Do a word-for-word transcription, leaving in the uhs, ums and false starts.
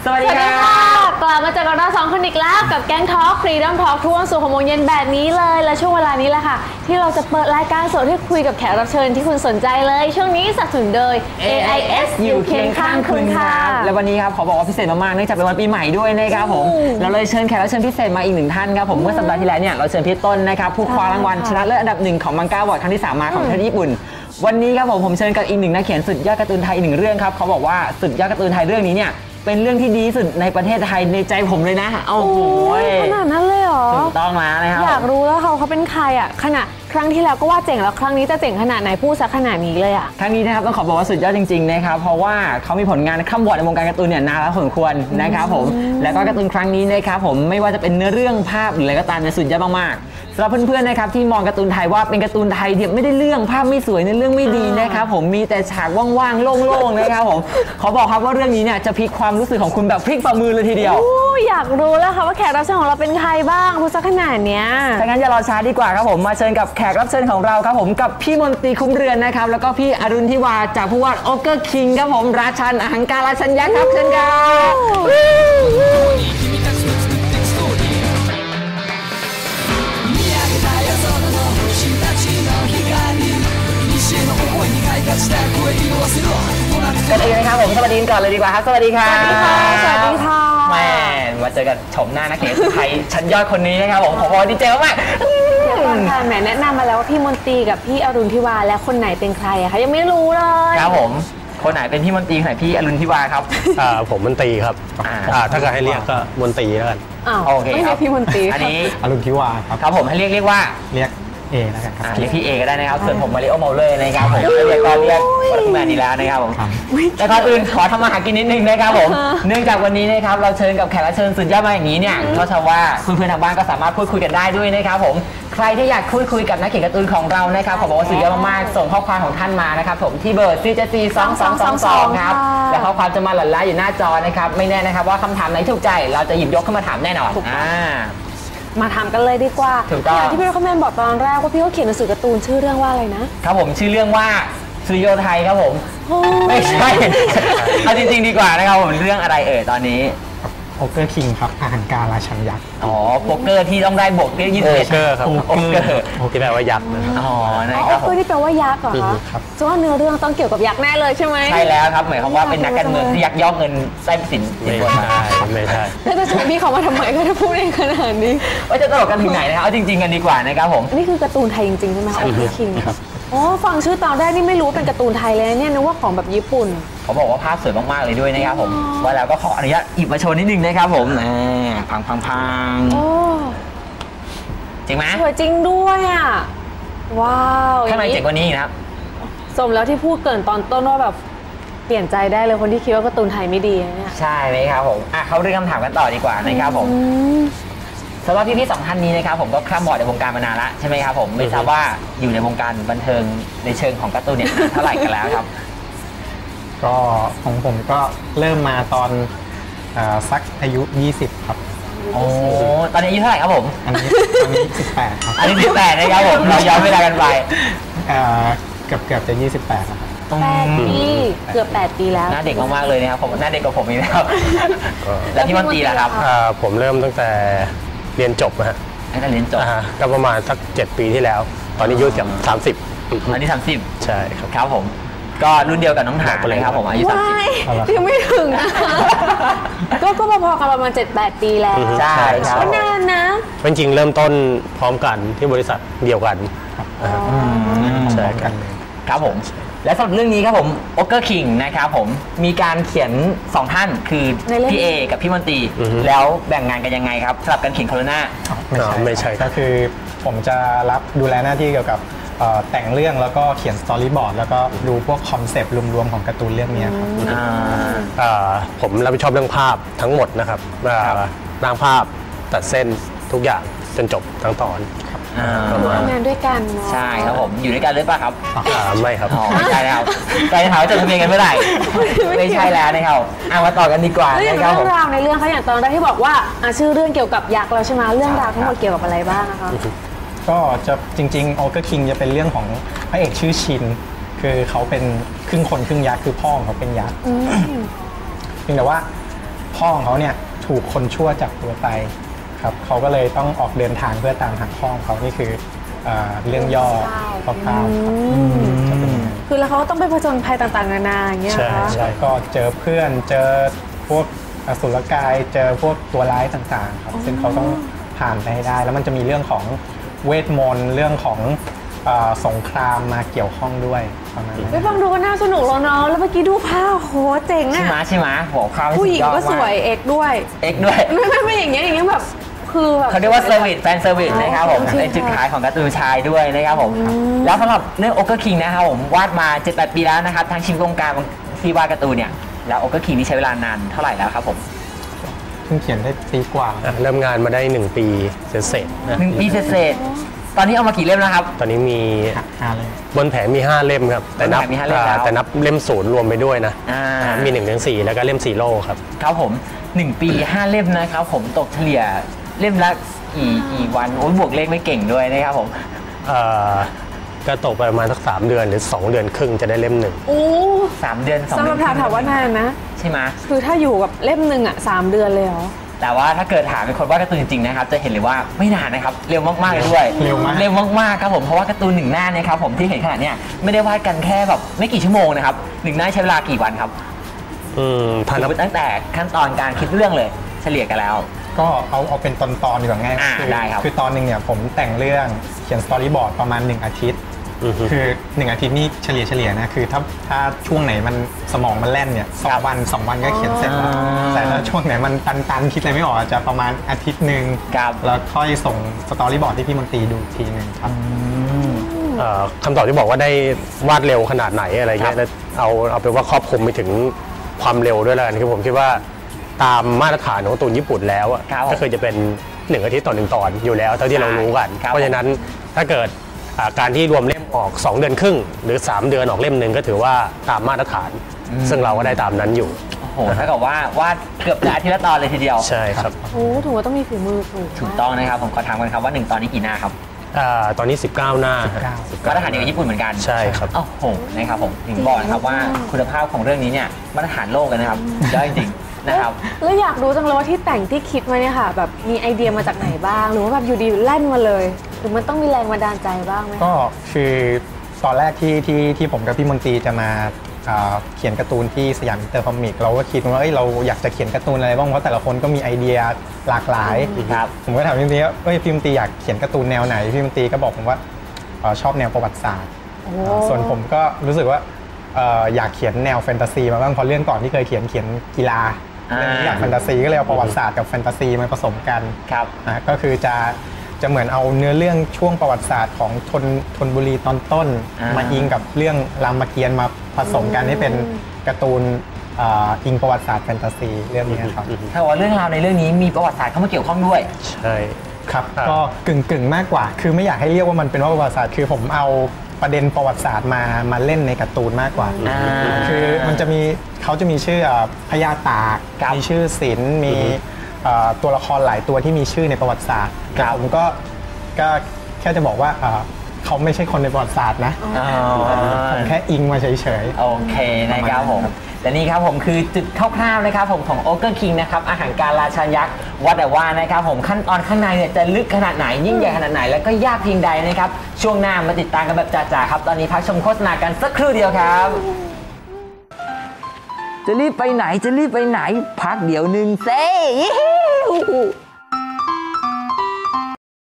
สวัสดีค่ะกลับมาเจอกับเราสองคนอีกแล้วกับแก๊งทอล์กฟรีดอมทอล์กทุกวันศุกร์หกโมงเย็นแบบนี้เลยและช่วงเวลานี้แหละค่ะที่เราจะเปิดรายการสดให้คุยกับแขกรับเชิญที่คุณสนใจเลยช่วงนี้สนับสนุนโดย เอ ไอ เอส อยู่เคียงข้างคุณค่ะและวันนี้ครับขอบอกว่าพิเศษมากๆเนื่องจากเป็นวันปีใหม่ด้วยนะครับผมเราเลยเชิญแขกรับเชิญพิเศษมาอีกหนึ่งท่านครับผมเมื่อสัปดาห์ที่แล้วเนี่ยเราเชิญพี่ต้นนะครับผู้คว้ารางวัลชนะเลิศอันดับหนึ่งของมังกาบอร์ดครั้งที่สามมาของประเทศญี่ปุ่นวันนี้ครับผมผมเชิญกับอีกหนึ่งนักเขียนสุดยอดการ์ตูนไทยอีกหนึ่งเรื่องครับเขาบอกว่าสุดยอดการ์ตูนไทยเรื่องนี้เนี่ยเป็นเรื่องที่ดีสุดในประเทศไทยในใจผมเลยนะโอ้โหขนาดนั้นเลยเหรอถูกต้องแล้วนะครับอยากรู้แล้วเขาเขาเป็นใครอ่ะขนาดครั้งที่แล้วก็ว่าเจ๋งแล้วครั้งนี้จะเจ๋งขนาดไหนพูดซะขนาดนี้เลยอ่ะครั้งนี้นะครับต้องขอบอกว่าสุดยอดจริงๆนะครับเพราะว่าเขามีผลงานข้ามบอร์ดในวงการการ์ตูนเนี่ยนานแล้วพอสมควรนะครับผมแล้วก็การ์ตูนครั้งนี้นะครับผมไม่ว่าจะเป็นเนื้อเรื่องภาพหรืออะไรก็ตามเนี่ยสุดยอดมากๆสำหรับเพื่อนๆนะครับที่มองการ์ตูนไทยว่าเป็นการ์ตูนไทยที่ไม่ได้เรื่องภาพไม่สวยในเรื่องไม่ดีนะครับผมมีแต่ฉากว่างๆโล่งๆนะครับผมขอบอกครับว่าเรื่องนี้เนี่ยจะพลิกความรู้สึกของคุณแบบพลิกฝ่ามือเลยทีเดียวอยากรู้แล้วค่ะว่าแขกรับเชิญของเราเป็นใครบ้างพูดซะขนาดเนี้ยถ้างั้นอย่ารอช้าดีกว่าครับผมมาเชิญกับแขกรับเชิญของเราครับผมกับพี่มนตรีคุ้มเรือนนะครับแล้วก็พี่อรุณทิวาจากผู้วาดโอเกอร์คิงครับผมราชันอหังการราชันยักษ์ครับเชิญครับกันเองนะครับผมสวัสดีก่อนเลยดีกว่าครับสวัสดีค่ะสวัสดีค่ะสวัสดีค่ะแม่มาเจอกันชมหน้านักเขียนไทยชั้นยอดคนนี้นะครับผมขอบอกดีใจมากเดี๋ยวก่อนค่ะแหมแนะนำมาแล้วว่าพี่มนตรีกับพี่อรุณทิวาและคนไหนเป็นใครอะคะยังไม่รู้เลยครับผมคนไหนเป็นพี่มนตรีคนไหนพี่อรุณทิวาครับอ่าผมมนตรีครับอ่าถ้าเกิดให้เรียกก็มนตรีแล้วกันโอเคไม่เรียกพี่มนตรีอันนี้อรุณทิวาครับครับผมให้เรียกเรียกว่าเรียกเอแล้วกันครับเรียกพี่เอก็ได้นะครับส่วนผมมาริโอเมาเลอร์นะครับผมเรียกก็เรียกคนทำงานดีแล้วนะครับผมแต่ก่อนอื่นขอทำมาหากินนิดนึงนะครับผมเนื่องจากวันนี้นะครับเราเชิญกับแขกรับเชิญสุดยอดมาอย่างนี้เนี่ยก็เชื่อว่าเพื่อนๆทางบ้านก็สามารถพูดคุยกันได้ด้วยนะครับผมใครที่อยากพูดคุยกับนักเขียนการ์ตูนของเรานะครับขอบอกว่าสุดยอดมากๆส่งข้อความของท่านมานะครับผมที่เบอร์ สี่ เจ็ด สี่ สอง สอง สอง สองครับและข้อความจะมาหลั่นล้าอยู่หน้าจอนะครับไม่แน่นะครับว่าคำถามไหนถูกใจเราจะหยิบยกขึ้นมาถามแน่นอนอ่ามาทำกันเลยดีกว่าอย่างที่พี่เขาแมนบอกตอนแรกว่าพี่เขาเขียนหนังสือการ์ตูนชื่อเรื่องว่าอะไรนะครับผมชื่อเรื่องว่าสุริโยไทยครับผมไม่ใช่เอาจริงๆดีกว่านะครับผมเรื่องอะไรเอ่ยตอนนี้โอเกอร์คิงครับอาหารการราชันยักษ์อ๋อโป๊กเกอร์ที่ต้องได้บวกเรียกยี่สิบเอ็ดโอเกอร์ครับโอเกอร์ที่แปลว่ายักษ์นะอ๋อนะครับโอเกอร์ที่แปลว่ายักษ์เหรอคะซึ่งว่าเนื้อเรื่องต้องเกี่ยวกับยักษ์แน่เลยใช่ไหมใช่แล้วครับหมายความว่าเป็นนักการเมืองที่ยักยอกเงินไส้สินไม่ใช่ไม่ใช่แล้วจะชวนพี่เขามาทำไมก็จะพูดเองขนาดนี้ว่าจะตลกกันถึงไหนนะครับเอาจริงๆกันดีกว่านะครับผมนี่คือการ์ตูนไทยจริงๆใช่ไหมคะโอเกอร์คิงอ๋อฟังชื่อตอนแรกนี่ไม่รู้เป็นการ์ตูนไทยเลยเนี่ยนึกว่าของแบบญี่ปุ่นเขาบอกว่าภาพสวยมากๆเลยด้วยนะครับผมว่าแล้วก็ขออนุญาตหยิบมาโชว์นิดนึงนะครับผมนะพังพังพังจริงไหมสวยจริงด้วยอ่ะว้าวข้างในเจ๋งกว่านี้นะครับสมแล้วที่พูดเกินตอนต้นว่าแบบเปลี่ยนใจได้เลยคนที่คิดว่าการ์ตูนไทยไม่ดีเนี่ยใช่ไหมครับผมอ่ะเขาเรื่องคำถามกันต่อดีกว่านะครับผมสำหรับพี่ๆสองท่านนี้นะครับผมก็ข้ามบอร์ดในวงการมานานละใช่ไหมครับผมไม่ทราบว่าอยู่ในวงการบันเทิงในเชิงของการ์ตูนเนี่ยเท่าไหร่กันแล้วครับก็ของผมก็เริ่มมาตอนสักอายุยี่สิบครับโอ้ตอนนี้อายุเท่าไหร่ครับผมอันนี้ตอนนี้สิบแปดครับอันนี้สิบแปดนะครับผมเราย้อนเวลากันไปเกือบเกือบจะยี่สิบแปดแล้วครับแปดปีเกือบแปดปีแล้วหน้าเด็กมากๆเลยนะครับผมหน้าเด็กกว่าผมอีกแล้วแล้วพี่มนตรีล่ะครับผมเริ่มตั้งแต่เรียนจบนะฮะตั้งแต่เรียนจบก็ประมาณสักเจ็ดปีที่แล้วตอนนี้อายุเกือบสามสิบอันนี้สามสิบใช่ครับครับผมก็รุ่นเดียวกับน้องถาเลยครับผมอายุสามสิบยังไม่ถึงนะก็ก็พอๆกันประมาณเจ็ดแปดปีแล้วใช่ครับก็นานนะจริงๆเริ่มต้นพร้อมกันที่บริษัทเดียวกันใช่กันครับผมและสำหรับเรื่องนี้ครับผมโอเกอร์คิงนะครับผมมีการเขียนสองท่านคือพี่เอกับพี่มนตรีแล้วแบ่งงานกันยังไงครับสำหรับการเขียนโคโรนาไม่ใช่ไม่ใช่ก็คือผมจะรับดูแลหน้าที่เกี่ยวกับแต่งเรื่องแล้วก็เขียนสตอรี่บอร์ดแล้วก็ดูพวกคอนเซปต์รวมๆของการ์ตูนเรื่องนี้ครับผมรับผิดชอบเรื่องภาพทั้งหมดนะครับร่างภาพตัดเส้นทุกอย่างจนจบทั้งตอนทำงานด้วยกันใช่ครับผมอยู่ด้วยกันหรือเปล่าครับไม่ครับไม่ใช่แล้วใจถามว่าจะทำยังไงเมื่อไหร่ไม่ใช่แล้วนะครับเอามาต่อกันดีกว่านะครับเรื่องราวในเรื่องเขาอย่างตอนแรกที่บอกว่าชื่อเรื่องเกี่ยวกับยักษ์แล้วใช่ไหมเรื่องราวทั้งหมดเกี่ยวกับอะไรบ้างนะคะก็จะจริงๆโอเกอร์คิงจะเป็นเรื่องของพระเอกชื่อชินคือเขาเป็นครึ่งคนครึ่งยักษ์คือพ่อของเขาเป็นยักษ์เพียงแต่ว่าพ่อของเขาเนี่ยถูกคนชั่วจับตัวไปครับเขาก็เลยต้องออกเดินทางเพื่อตามหาพ่อของเขานี่คือเอ่อเรื่องย่อคร่าวๆครับจะเป็นยังไงคือแล้วเขาก็ต้องไปผจญภัยต่างๆนานาอย่างเงี้ยใช่ค่ะใช่ก็เจอเพื่อนเจอพวกอสุรกายเจอพวกตัวร้ายต่างๆครับซึ่งเขาต้องผ่านไปให้ได้ แล้วมันจะมีเรื่องของเวทมนต์เรื่องของเอ่อสงครามมาเกี่ยวข้องด้วยประมาณนั้นไปฟังดูก็น่าสนุกแล้วเนาะแล้วเมื่อกี้ดูภาพโหเจ๋งใช่ไหมอะใช่ไหมโหข้าวผู้หญิงก็สวยเอกด้วยเอ็กด้วยไม่ไม่ไม่อย่างเงี้ยอย่างเงี้ยแบบคือแบบเขาเรียกว่าเซอร์วิสแฟนเซอร์วิสนะครับผมโอเคเป็นจุดขายของการ์ตูนชายด้วยนะครับผมแล้วสำหรับเรื่องโอเกอร์คิงนะครับผมวาดมา เจ็ดแปด ปีแล้วนะครับทางชิมวงการที่วาดการ์ตูนเนี่ยแล้วโอเกอร์คิงนี่ใช้เวลานานเท่าไหร่แล้วครับผมเพิ่งเขียนได้ปีกว่าอ่ะเริ่มงานมาได้หนึ่งปีเสร็จๆนะหนึ่งปีเศษๆตอนนี้เอามากี่เล่มแล้วครับตอนนี้มีหาเลยบนแผงมีห้าเล่มครับแต่นับบนแผงมีห้าเล่มแล้วอ่าแต่นับเล่มศูนย์รวมไปด้วยนะอ่าอ่ามีหนึ่งถึงสี่แล้วก็เล่มซีโร่ครับครับผมหนึ่งปีห้าเล่มนะครับผมตกเฉลี่ยเล่มละกี่กี่วันโอ้ยบวกเลขไม่เก่งด้วยนะครับผมเอ่อก็ตกไปประมาณสักสามเดือนหรือสองเดือนครึ่งจะได้เล่มหนึ่งโอ้สามเดือนสองสำหเดืรับถามถามว่านานนะใช่ไหมคือถ้าอยู่กับเล่มหนึ่งอะสามเดือนเลยเหรอแต่ว่าถ้าเกิดถามเป็นคนวาดการ์ตูนจริงๆนะครับจะเห็นเลยว่าไม่นานนะครับเร็วมากๆเลยด้วยเร็วมากเร็วมากๆครับผมเพราะว่าการ์ตูนหนึ่งหน้าเนี่ยครับผมที่เห็นขนาดเนี้ยไม่ได้วาดกันแค่แบบไม่กี่ชั่วโมงนะครับหนึ่งหน้าใช้เวลากี่วันครับอืมถ้านับตั้งแต่ขั้นตอนการคิดเรื่องเลยเฉลี่ยกันแล้วก็เอาเอาเป็นตอนๆดีกว่าง่ายอ่าคืได้ครับคือตอนหนึ่งเนี่ยผมแต่งเรื่องเขียนสตอรี่บอร์ดประมาณหนึ่งอาทิตย์อือฮึคือหนึ่งอาทิตย์นี่เฉลี่ยเฉลี่ยนะคือถ้าถ้าช่วงไหนมันสมองมันแล่นเนี่ยสองวันสองวันก็เขียนเสร็จแล้วอ่าแต่ถ้าช่วงไหนมันตันๆคิดอะไรไม่ออกอาจจะประมาณอาทิตย์หนึ่งครับแล้วค่อยส่งสตอรี่บอร์ดที่พี่มนตรีดูอีกทีหนึ่งครับเอ่อคำตอบที่บอกว่าได้วาดเร็วขนาดไหนอะไรเงี้ยแล้วเอาเอาเป็นว่าครอบคลุมไปถึงความเร็วด้วยแล้วกันคือผมคิดว่าตามมาตรฐานของการ์ตูนญี่ปุ่นแล้วอะครับก็คือจะเป็นหนึ่งอาทิตย์ต่อหนึ่งตอนอยู่แล้วเท่าที่เรารู้กันครับเพราะฉะนั้นถ้าเกิดอ่าการที่รวมเล่มออกสองเดือนครึ่งหรือสามเดือนออกเล่มหนึ่งก็ถือว่าตามมาตรฐาน ซึ่งเราก็ได้ตามนั้นอยู่โอ้โหถ้ากับว่าวาดเกือบจะอาทิตย์ละตอนเลยทีเดียวใช่ครับโอ้ถือว่าต้องมีฝีมือถูกถูกต้องนะครับผมขอถามกันครับว่าหนึ่งตอนนี้กี่หน้าครับอ่าตอนนี้สิบเก้าหน้ามาตรฐานเดียวกับญี่ปุ่นเหมือนกันใช่ครับโอ้โหนะครับผมถึงบอกนะครับว่าคุณภาพของเรื่องนี้เนี่ยมาตรฐานโลกเลยนะครับยอดจริงๆนะครับแล้วอยากรู้จังเลยว่าที่แต่งที่คิดมาเนี่ยค่ะ แบบมีไอเดียมาจากไหนบ้าง หรือว่าแบบอยู่ดีแล่นมาเลย หรือมันต้องมีแรงบันดาลใจบ้างไหมก็คือตอนแรกที่ที่ที่ผมกับพี่มนตรีจะมาอ่าเขียนการ์ตูนที่สยามอินเตอร์คอมิกเราก็คิดว่าเอ้ยเราอยากจะเขียนการ์ตูนอะไรบ้างเพราะแต่ละคนก็มีไอเดียหลากหลายครับผมก็ถามพี่มนตรีว่าเอ้ยพี่มนตรีอยากเขียนการ์ตูนแนวไหนพี่มนตรีก็บอกผมว่าเอ่อชอบแนวประวัติศาสตร์โอ้ส่วนผมก็รู้สึกว่าเอ่ออยากเขียนแนวแฟนตาซีมาบ้างเพราะเรื่องก่อนที่เคยเขียนเขียนกีฬาอ่าเรื่องนี้อยากแฟนตาซีก็เลยเอาประวัติศาสตร์กับแฟนตาซีมาผสมกันครับอ่ะก็คือจะจะเหมือนเอาเนื้อเรื่องช่วงประวัติศาสตร์ของธนธนบุรีตอนต้นอ่ามมาอิงกับเรื่องรามเกียรติ์มาผสมกันให้เป็นการ์ตูนอ่าอิงประวัติศาสตร์แฟนตาซีเรื่องนี้ครับถ้าว่าเรื่องราวในเรื่องนี้มีประวัติศาสตร์เข้ามาเกี่ยวข้องด้วยใช่ครับครับก็กึ่งกึ่งๆมากกว่า คือไม่อยากให้เรียกว่ามันเป็นว่าประวัติศาสตร์คือผมเอาประเด็นประวัติศาสตร์มามาเล่นในการ์ตูนมากกว่าอ่าคือมันจะมีเขาจะมีชื่ออ่าพญาตากครับมีชื่อศิลป์มีอ่าตัวละครหลายตัวที่มีชื่อในประวัติศาสตร์ครับผมก็ก็แค่จะบอกว่าอ่าเขาไม่ใช่คนในประวัติศาสตร์นะอ๋อผมแค่อิงมาเฉยโอเคนะครับผมและนี่ครับผมคือจุดคร่าวๆนะครับผมของโอเกอร์คิงนะครับอาหารการราชายักษ์ว่าแต่ว่านะครับผมขั้นตอนข้างในเนี่ยจะลึกขนาดไหนยิ่งใหญ่ขนาดไหนแล้วก็ยากเพียงใดนะครับช่วงหน้ามาติดตามกันแบบจ๋าๆครับตอนนี้พักชมโฆษณากันสักครู่เดียวครับจะรีบไปไหนจะรีบไปไหนพักเดี๋ยวหนึ่งเซ่